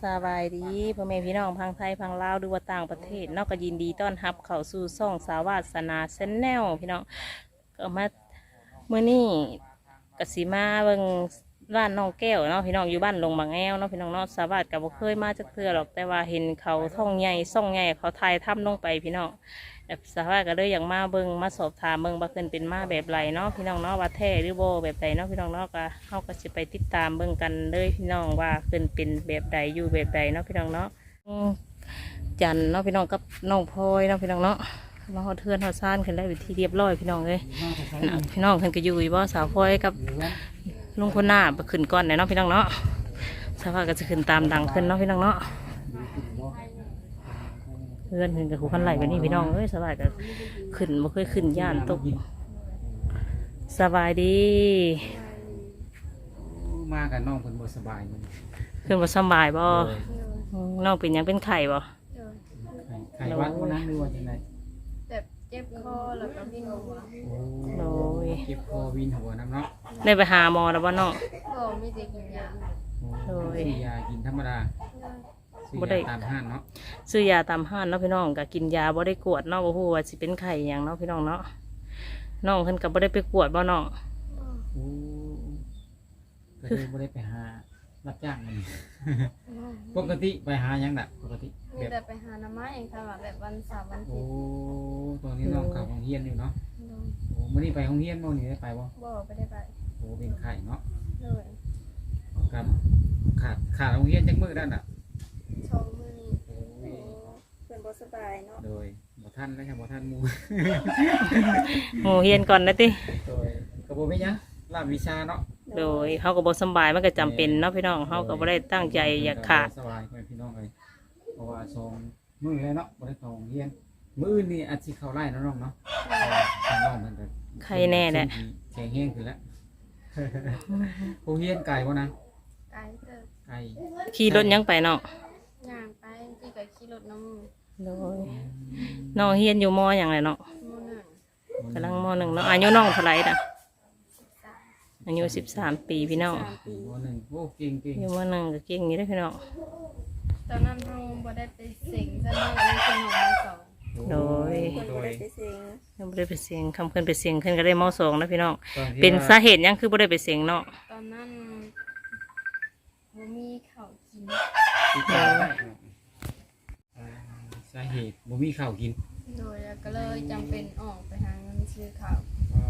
สบายดีพ่อแม่พี่น้องพังไทยพังลาวหรือว่าต่างประเทศนอกก็ยินดีต้อนรับเข้าสู่ช่องสาวาสนาแชนแนลพี่น้องก็มาเมื่อนี้กสิมาเบิ่งร้านน้องแก้วเนาะพี่น้องอยู่บ้านลงบางแอวเนาะพี่น้องเนาะสาวาสก็บ่เคยมาจักเทื่อหรอกแต่ว่าเห็นเขาท่องใหญ่ซ่องใหญ่เขาถ่ายทำลงไปพี่น้องแบบสาวาสก็เลยอยากมาเบิ่งมาสอบถามเบิ่งว่าเพิ่นเป็นมาแบบไรเนาะพี่น้องเนาะว่าแท้หรือบ่แบบใดเนาะพี่น้องเนาะก็เฮาก็สิไปติดตามเบิ่งกันเลยพี่น้องว่าเพิ่นเป็นแบบใดอยู่แบบใดเนาะพี่น้องเนาะจันเนาะพี่น้องกับน้องพลอยเนาะพี่น้องเนาะมาฮอดเทือนฮอดซ่านขึ้นแล้วอยู่ที่เรียบร้อยพี่น้องเอ้ยพี่น้องเพิ่นก็อยู่บ่สาวพลอยกับลุงคนหน้าไปขึ้นก่อนเนาะพี่น้องเนาะสาวาสก็จะขึ้นตามดังขึ้นเนาะพี่น้องเนาะเพื่อนเพิ่นกับหูขันไหลกันนี่พี่น้องเอ้ยสบายก็ขึ้นบ่เคยขึ้นย่านตกสบายดีมากับน้องเพิ่นบ่สบายมันขึ้นบ่สบายบ่น้องเป็นหยังเป็นไข่บ่ไข้หวัดวันนั้นหรือว่าจังได๋แบบเจ็บคอแล้วก็วิ่งหัวโอ้ยเจ็บคอวินหัวน้ำเนาะได้ไปหาหมอแล้วบ่น้องก็ไม่ได้กินยาซื้อยากินธรรมดาซื้อยาตามห้างเนาะซื้อยาตามห้างเนาะพี่น้องก็กินยาบ่ได้กวดเนาะบ่ฮู้ว่าสิเป็นไข้หยังเนาะพี่น้องเนาะน้องเพิ่นก็บ่ได้ไปกวดบ่น้องโอ้ก็เลยบ่ได้ไปหารับจ้างมันปกติไปหาหยังน่ะปกติมีแต่ไปหาหน้ำไม้เองค่ะแบบวันเสาร์วันอาทิโอ้ตย์ตอนนี้น้องเข้าโรงเรียนอยู่เนาะโอ้มื้อนี้ไปโรงเรียนบ่นี่ได้ไปบ่ไม่ได้ไปโอ้เป็นไข้เนาะเลยครับขาดโรงเรียนจักมื้อนั่นน่ะชมมือนี้เพื่อนบ่สบายเนาะโดยบ่ทันแล้วครับบ่ทันหมู่หมู่เฮียนก่อนนะติโดยก็บ่มีหยังรามวิชาเนาะโดยเฮาก็บ่สบายมันก็จำเป็นเนาะพี่น้องเฮาก็บ่ได้ตั้งใจอยากขาดสบายพี่น้องเลยเพราะว่ามื้อแล้วเนาะบ่ได้เข้าโรงเรียนมื้ออื่นนี่อาจสิเข้าไร่น้องๆเนาะน้องมันก็ใครแน่แหละแข็งแรงขึ้นแล้วโรงเรียนไกลบ่นะไกลเด้อไกลขี่รถยังไปเนาะย่างไปที่ก็ขี่รถน้ำโดยน้องเฮียนอยู่มอหยังไงเนาะกำลังม.1เนาะอายุน้องเท่าไหร่น่ะอายุ13 ปีพี่น้องม.1โอ้เก่งอยู่ม.1ก็เก่งอยู่เด้อพี่น้องตอนนั้นเราบ่ได้ไปเสิงซะเนาะเลยคือน้องสองโดยบ่ได้ไปเสิงยังบ่ได้ไปเสียงคำเพิ่นไปเสียงเพิ่นก็ได้ม.2นะพี่น้องเป็นสาเหตุหยังคือบ่ได้ไปเสียงเนาะตอนนั้นบ่มีข้าวกินสาเหตุบ่มีข้าวกินโดยก็เลยจำเป็นออกไปหาเงินซื้อข้าว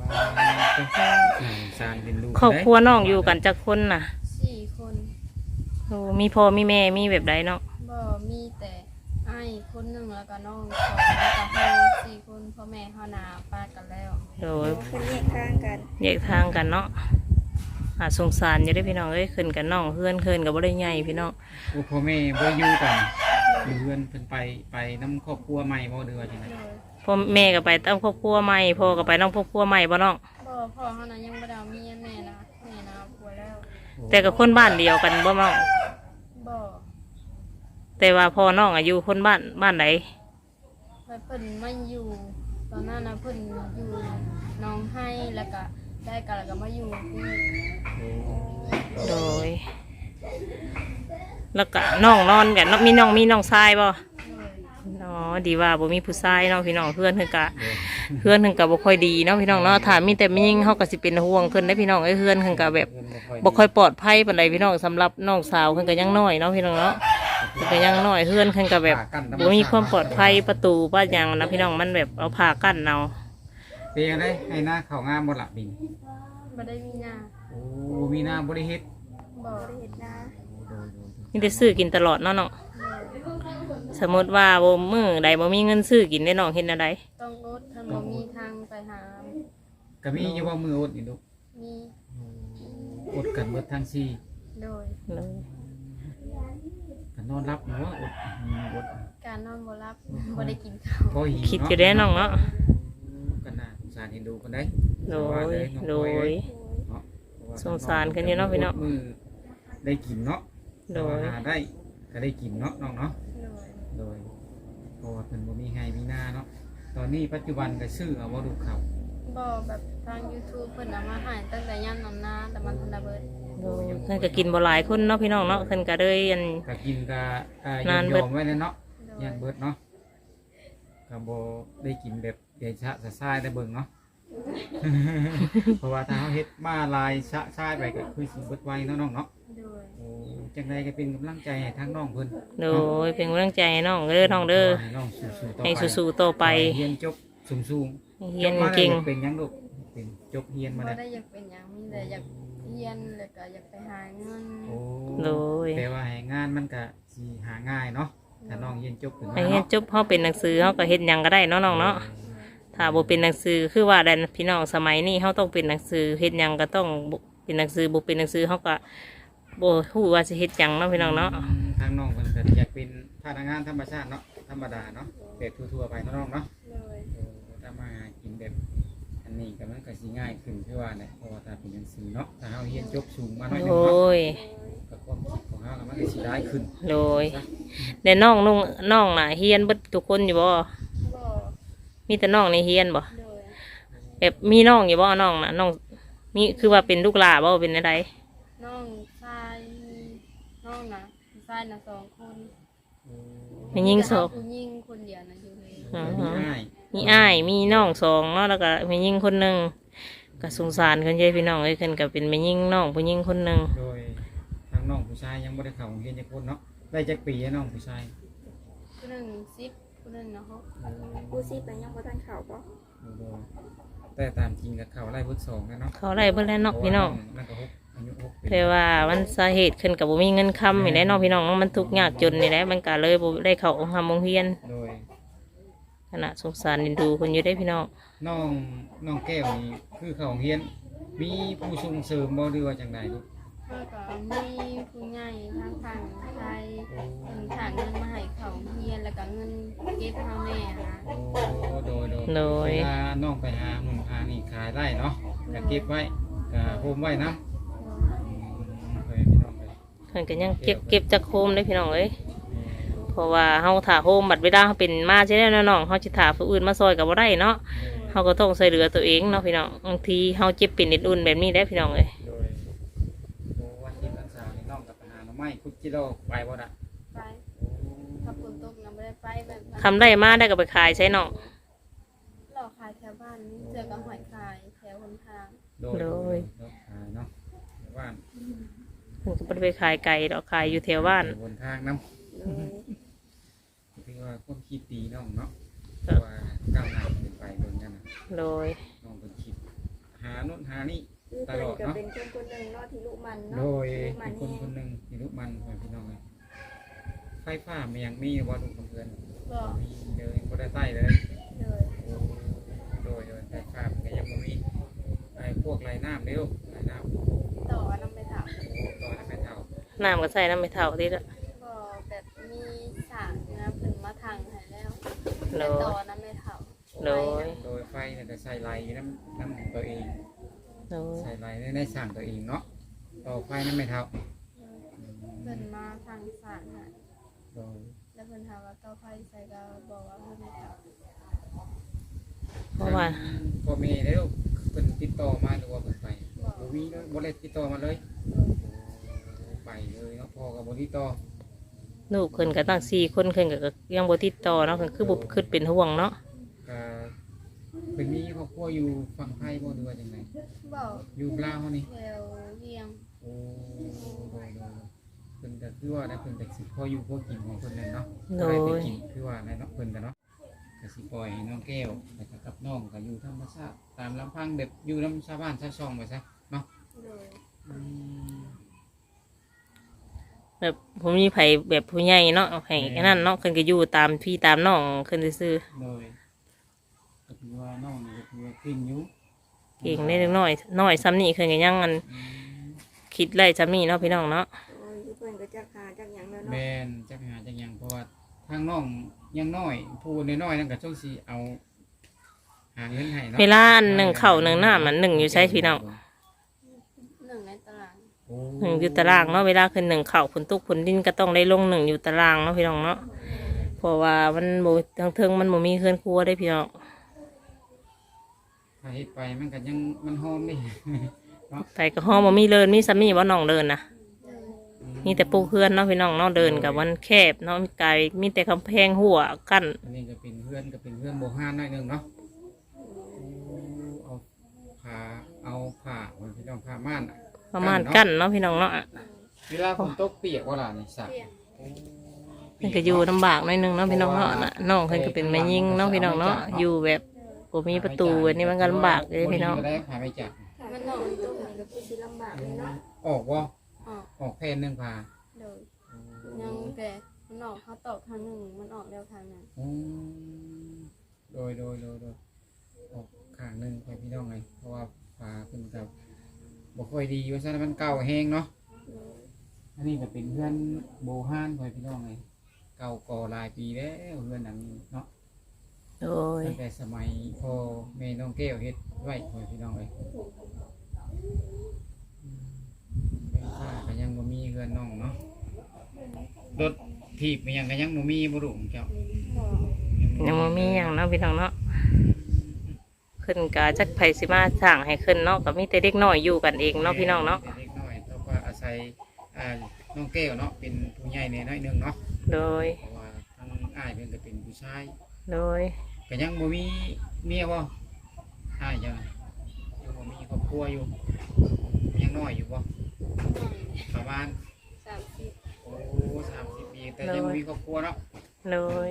ครอบครัวน้องอยู่กันจักคนน่ะ 4 คนโอ้มีพ่อมีแม่มีแบบใดเนาะบ่มีแต่อ้ายคนหนึ่งแล้วก็น้อง2แล้วก็เฮา4 คนพ่อแม่เฮาหน้าป้ากันแล้วโดยเพิ่นแยกทางกันเนาะสงสารอยู่ได้พี่น้องเอ้ยขึ้นกันน้องเพื่อนกับบ่ได้ใหญ่พี่น้องโอ้พ่อแม่บ่อยู่กันอยู่เพื่อนเพิ่นไปนำครอบครัวใหม่บ่หรือว่าจังได๋พ่อแม่ก็ไปตามครอบครัวใหม่พ่อก็ไปนำครอบครัวใหม่บ่น้องบ่พ่อเฮานั้นยังบ่ได้มีแม่นะผัวแล้วแต่กับคนบ้านเดียวกันบ่น้องบ่แต่ว่าพ่อน้องอายุคนบ้านไหนเพิ่นมาอยู่ตอนนั้นนะเพิ่นอยู่น้องให้แล้วก็ได้กันแล้วก็มาอยู่ที่โดยแล้วก็น้องนอนกันมีน้องชายบ่เนาะดีว่าบ่มีผู้ชายเนาะพี่น้องเพื่อนเพิ่นก็บ่ค่อยดีเนาะพี่น้องเนาะถ้ามีแต่มียิ่งเฮาก็สิเป็นห่วงเพิ่นได้พี่น้องเอ้ยเพื่อนเพิ่นก็แบบบ่ค่อยปลอดภัยปานใดพี่น้องสำหรับน้องสาวเพิ่นก็ยังน้อยเนาะพี่น้องเนาะเพิ่นก็ยังน้อยเพื่อนเพิ่นก็แบบบ่มีความปลอดภัยประตูบ้านหยังนะพี่น้องมันแบบเอาผ้ากั้นเอาเป็นจังได๋ให้หน้าเข้างามบ่ล่ะบินบ่ได้มีหน้าโอ้มีหน้าบ่ได้เฮ็ดบ่ได้เฮ็ดหน้ามีแต่ซื้อกินตลอดเนาะสมมติว่าบ่มื้อใดบ่มีเงินซื้อกินได้น้องเฮ็ดแนวใดต้องอดถ้าบ่มีทางไปหาก็มีอยู่ว่ามืออดนี่ลูกมีอดกันเบิดทั้งสี่โดยกันนอนรับอยู่ว่าอดการนอนบ่รับบ่ได้กินข้าวคิดอยู่ได้น้องเนาะกันน่าสงสารเห็นดูกันได้โดยสงสารกันอยู่เนาะพี่เนาะมือได้กินเนาะโดยหาได้ก็ได้กินเนาะน้องเนาะโดยเพราะว่าเพิ่นบ่มีให้มีหน้าเนาะตอนนี้ปัจจุบันก็ซื้อเอาบ่ดูเขาบ่แบบทาง YouTube เพิ่นเอามาให้ตั้งแต่ย่ำนำหน้าแต่มันทันได้เบิดโดยเพิ่นก็กินบ่หลายคนเนาะพี่น้องเนาะเพิ่นก็เลยอันก็กินก็ยนานอเบิดมไว้เลยเนาะโดยัยนเบิดเนาะก็บ่ได้กินแบบเดชะสะซายได้เบิ่งเนาะ เพราะว่าถ้าเฮาเฮ็ดมาลายชะชายไปก็คือสิเบิดไวเนาะน้องเนาะโดยโอ้จังไดก็เป็นกำลังใจให้ทั้งน้องเพิ่นโดยเป็นกำลังใจให้น้องเด้อน้องเด้อให้น้องสู้ๆต่อไปให้สู้ๆต่อไปเรียนจบสูงๆให้เรียนจบมาแล้วเก่งอยาเป็นหยังลูกเป็นจบเรียนมาบ่แล้วได้อยากเป็นหยังมีแต่อยากเรียนแล้วก็อยากไปหาเงินโอ้โดยแต่ว่าให้งานมันก็สิหาง่ายเนาะถ้าน้องเรียนจบขึ้นมาให้เรียนจบเฮาเป็นหนังสือเฮาก็เฮ็ดหยังก็ได้เนาะน้องเนาะถ้าบ่เป็นหนังสือคือว่าได้พี่น้องสมัยนี้เฮาต้องเป็นหนังสือเฮ็ดหยังก็ต้องเป็นหนังสือบ่เป็นหนังสือเฮาก็บ่ฮู้ว่าสิเฮ็ดหยังเนาะพี่น้องเนาะทางน้องเพิ่นก็อยากเป็นพนักงานธรรมชาติเนาะธรรมดาเนาะแบบทั่วๆไปเนาะน้องเนาะโดยถ้ามาหากินแบบอันนี้ก็มันก็สิง่ายขึ้นคือว่าเนี่ยเพราะว่าถ้าเป็นหนังสือเนาะถ้าเฮาเรียนจบสูงมาหน่อยหนึโดงเนาะยก็ความคิดของเฮาก็มันก็สิได้ขึ้นโดยแต่น้องน่ะเฮียนเบิดทุกคนอยู่บ่บ่มีแต่น้องในเฮียนบ่โดยแบบมีน้องอยู่บ่น้องน่ะน้องมีคือว่าเป็นลูกหลานบ่เป็นอะไรน้องชายน้องนะชายนะ2 คนมียิ่งสองผู้หญิงคนเดียวนะอยู่เลยง่ายมีอ้ายมีน้องสองเนาะแล้วก็มียิ่งคนหนึงก็สงสารเพิ่นเด้พี่น้องเอ้ยเพิ่นก็เป็นแม่ยิ่งน้องผู้ยิ่งคนหนึงโดยทางน้องผู้ชายยังบ่ได้เข้าโรงเรียนจักคนเนาะได้จักปีแล้วน้องผู้ชายผู้หนึ่ง10ผู้หนึ่งนะฮะกูซีไปยังบ่ทันเข้าบ่แต่ตามจริงกับเขาไล่พุทธสองนะเนาะเขาได้เพิ่นแล้วเนาะพี่น้องนั่นก็6อายุ6ปีแต่ว่ามันสาเหตุขึ้นกับบ่มีเงินค้ำนี่แหละเนาะพี่น้องเนาะมันทุกข์ยากจนนี่แหละมันก็เลยบ่ได้เข้าโรงเรียนโดยขณะสงสารเอ็นดูคนอยู่ได้พี่น้องน้องแก้วนี่คือเขาโรงเรียน มีผู้ส่งเสริมบ่หรือว่าจังไดลูกเพื่อก็มีผู้ใหญ่ทางฝั่งไทยเป็นถางเงินมาให้เขาเฮียนแล้วก็เงินเก็บเฮาแน่นะโอ้โดยเวลาน้องไปหาหนุ่มหานี่ขายได้เนาะก็เก็บไว้ก็โฮมไว้นะเคยพี่น้องไปเพิ่นก็ยังเก็บจากโฮมได้พี่น้องเอ้ยเพราะว่าเฮาถ่าโฮมบัดเวลาเฮาเป็นมาใช่แล้วน้องเฮาสิถ่าผู้อื่นมาซอยก็บ่ได้เนาะเฮาก็ต้องช่วยเหลือตัวเองเนาะพี่น้องบางทีเฮาเจ็บเป็นนิดอุ่นแบบนี้ได้พี่น้องเอ้ยโดยโอ้วันที่วันเสาร์นี่น้องกับไปหาหน่อไม้คุดจิโร่ไปบ่ล่ะไปถ้าฝนตกนะไม่ได้ไปแบบนั้นทำได้มาได้ก็ไปขายใช้น้องหลอกขายแถวบ้านเจอกับหอยขายแถวหนทางโดยขายเนาะบ้านเพิ่นก็บ่ได้ไปขายไก่ดอกขายอยู่แถวบ้านบนทางน้โดยำคือว่าความคิดดีน้องเนาะเพราะว่าก้าวหน้าขึ้นไปบนนั้นนะโดยน้องเป็นคิดหาโน่นหานี่คือเพิ่นก็เป็นคนคนหนึงเนาะที่ลูกมันโดเนาะยลูกมัเป็น นคนคนหนึ่งที่ลูกมันของพี่น้องเลยไฟฟ้ามีอย่างมีว่าลูกเพื่อนก็มีเลยบ่ได้ใต้เลยเลยโดยไฟฟ้ามันก็ยังบ่มีไอ้พวกไรน้ำเร็วไรน้ำต่อน้ำไปถามตอนนั้นไม่เท่าน้ำก็ใส่น้ำไม่เท่าติละก็แบบมีสารนะผึ่งมาทางให้แล้วโดแต่ยต่อน้ำไม่เท่าโดยโดยไฟเนี่ยจะใส่ไรน้ำตัวเองโดยใส่ไรในสั่งตัวเองเนาะต่อไฟนั้นไม่เท่าเพิ่นมาทางสารให้โดยแล้วเพิ่นถามว่าต่อไฟใส่ก็บอกว่าเพิ่นไม่เท่าเพราะว่าพ่อแม่แล้วเป็นติดต่อมาหรือว่าเพิ่นไปบ่มีเลยบ่ได้ติดต่อมาเลยไปเลยเนาะพ่อกับบ่ติดต่อลูกเพิ่นก็ตั้ง4คนเพิ่นก็ยังบ่ติดต่อเนาะเพิ่นคือบ่คิดเป็นห่วงเนาะก็เป็นมีครอบครัวอยู่ฝั่งไทยบ่หรือว่าจังไดบอกอยู่ลาวนี่แถวเวียงโอ้เพิ่นก็คือว่าได้เพิ่นก็สิพออยู่พอกินของเพิ่นนั่นเนาะได้ไปกินคือว่าในเนาะเพิ่นก็เนาะก็สิปล่อยให้น้องแก้วแล้วก็กับน้องก็อยู่ธรรมชาติตามลำพังแบบอยู่นำชาวบ้านชาวช่องไปซะเนาะเลยอืมแบบผมมีไผแบบผู้ใหญ่เนาะให้แค่นั้นเนาะเพิ่นก็อยู่ตามพี่ตามน้องเพิ่นซื่อโดยก็คือว่าน้องนี่ก็คือว่าเก่งอยู่ๆเก่งได้เล็กน้อยน้อยซ้ำนี่เพิ่นก็ยังอันอืมคิดไล่ซ้ำนี่เนาะพี่น้องเนาะโอ้ยคือเพิ่นก็จักหาจักหยังแล้วแมเนาะนจักหาจักหยังเพราะว่าทางน้องยังน้อยผู้น้อยๆนั่นก็ต้องสิเอาหาเงินให้เนาะเวลาอันหนึ่งข้าวหนึ่งน้ำมันหนึ่งอยู่ใช้พี่น้องหนึ่งในตารางโอ้หนึ่งอยู่ตารางเนาะเวลาคือหนึ่งข้าวผลตุกผลดินก็ต้องได้ลงหนึ่งอยู่ตารางเนาะพี่น้องเนาะเพราะว่ามันโบทางเทิงมันโบมีเคลื่อนครัวได้พี่น้องถ้าเฮ็ดไปมันก็ยังมันฮ้อนนี่ มเนาะไปก็ห้องบ่มีเดินมีสามีบ่น้องเดินนะเลยมีแต่ปูเพื่อนเนาะพี่น้องเนาะเดินกับวันแคบเนาะมีไกลมีแต่กำแพงหัวกั้นอันนี้ก็เป็นเพื่อนโบห้านหน่อยหนึงเนาะเอาผ้าเอาผ้ามันพี่น้องผ้าม่านอะประมาณกั้นเนาะพี่น้องเนาะเวลาฝนตกเปียกว่าล่ะนี่สักเปลี่ยนมันก็อยู่ลำบากหน่อยหนึงเนาะพี่น้องเนาะน่ะน้องเพิ่นก็เป็นแม่ยิงเนาะพี่น้องเนาะอยู่แบบบ่มีประตูอันนี้มันก็ลำบากเลยพี่น้องก็ได้ผ้าไม่จับถ้ามันนอกมันตกมันก็คือสิลำบากเลยเนาะออกว่าออกออกแผ่นหนึ่งผ้าเลยยังแต่มันออกเขาตอกทางหนึ่งมันออกแล้วทางนั้นอืมโดยออกข้างหนึ่งไปพี่น้องไงเพราะว่าผ้าขึ้นกับบ่ค่อยดีว่าซะมันเก่าแห้งเนาะอันนี้ก็เป็นเพื่อนโบห้านไปพี่น้องไงเก่าก่อหลายปีแล้วเพื่อนหนังเนาะโดยตั้งแต่สมัยพ่อแม่น้องแก้วเฮ็ดไว้ไปพี่น้องไงเป็นฝ้าก็ยังบ่มีเพื่อนน้องเนาะรถถีบมันยังก็ยังบ่มีบ่รู้เจ้ายังบ่มีหยังเนาะพี่น้องเนาะขึ้นกะจักไผสิมาสร้างให้ขึ้นเนาะก็มีแต่เด็กน้อยอยู่กันเองเนาะพี่น้องเนาะเด็กน้อยแล้วก็อาศัยน้องแก้วเนาะเป็นผู้ใหญ่ในน้อยหนึงเนาะโดยเพราะว่าทั้งอ้ายเพิ่นก็เป็นผู้ชายโดยก็ยังบ่มีเมียบ่อ้ายจังยังบ่มีครอบครัวอยู่ยังน้อยอยู่บ่ประมาณ 30 โอ้30 ปีแต่ยังบ่มีครอบครัวเนาะโดย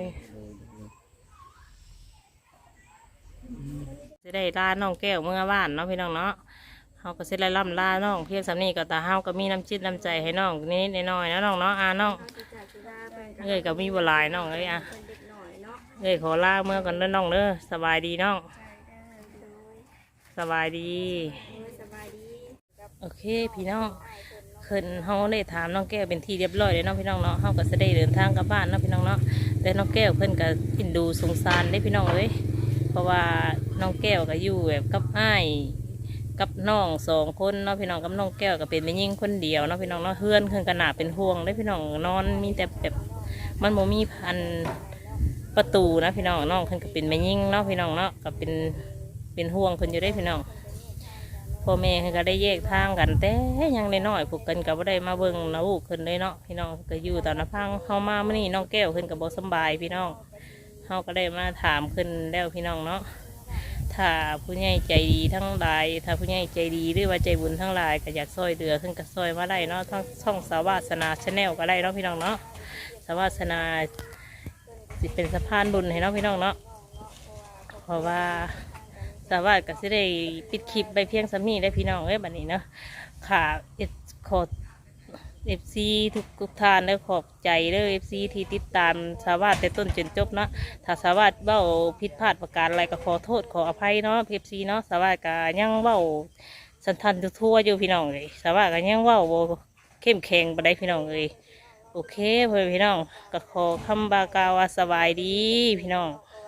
จะได้ลาน้องแก้วเมื่อบ้านเนาะพี่น้องเนาะเฮาก็สิได้ล่ำลาน้องเพียงสำนี้ก็ตาเฮาก็มีน้ำจิตน้ำใจให้น้องนิดๆหน่อยๆนะน้องเนาะน้องเอาสิจากสิลาไปกันเอ้ยก็มีบ่หลายน้องเอ้ยอ่ะเป็นเด็กหน่อยเนาะเอ้ยขอลาเมื่อก่อนเด้อน้องเด้อสบายดีน้องใจเด้อโดยสบายดีโดยสบายดีโอเคพี่น้องขึ้นเฮาได้ถามน้องแก้วเป็นที่เรียบร้อยเลยเนาะพี่น้องเนาะเฮาก็จะได้เดินทางกลับบ้านเนาะพี่น้องเนาะแต่น้องแก้วเพิ่นก็กินดูสงสารได้พี่น้องเอ้ยเพราะว่าน้องแก้วก็อยู่แบบกับอ้ายกับน้องสองคนเนาะพี่น้องกับน้องแก้วก็เป็นแม่ยิ่งคนเดียวเนาะพี่น้องเนาะเฮือนเพิ่นก็น่าเป็นห่วงได้พี่น้องนอนมีแต่แบบมันบ่มีพันประตูนะพี่น้องน้องเพิ่นก็เป็นแม่ยิ่งเนาะพี่น้องเนาะก็เป็นห่วงเพิ่นอยู่ได้พี่น้อง พ่อแม่เพิ่นก็ได้แยกทางกันแต่ยังน้อยๆพวกกันก็บ่ได้มาเบิ่งนะลูกเพิ่นเลยเนาะพี่น้องก็อยู่ตามลำพังเฮามามื้อนี้น้องแก้วเพิ่นก็บ่สำบายพี่น้องเฮาก็ได้มาถามเพิ่นแล้วพี่น้องเนาะถ้าผู้ใหญ่ใจดีทั้งหลายถ้าผู้ใหญ่ใจดีหรือว่าใจบุญทั้งหลายก็อยากช่วยเหลือเพิ่นก็ช่วยมาได้เนาะทั้งช่องสาวาสนาชาแนลก็ได้เนาะพี่น้องเนาะสาวาสนาสิเป็นสะพานบุญให้เนาะพี่น้องเนาะเพราะว่า สาวาสก็สิได้ปิดคลิปไปเพียงสำนี้ได้พี่น้องเอ้ยบัดนี้เนาะค่ะขอFC ทุกท่านได้ขอบใจเด้อ FC ที่ติดตามสาวาสแต่ต้นจนจบเนาะถ้าสาวาสเว้าผิดพลาดประการอะไรก็ขอโทษขออภัยเนาะ FC เนาะสาวาสก็ยังเว้าสันทันทั่วๆอยู่พี่น้องเลยสาวาสก็ยังเว้าบ่เข้มแข็งบ่ได้พี่น้องเลยโอเคเพื่อนพี่น้องก็ขอคำบากล่าวว่าสบายดีพี่น้องโ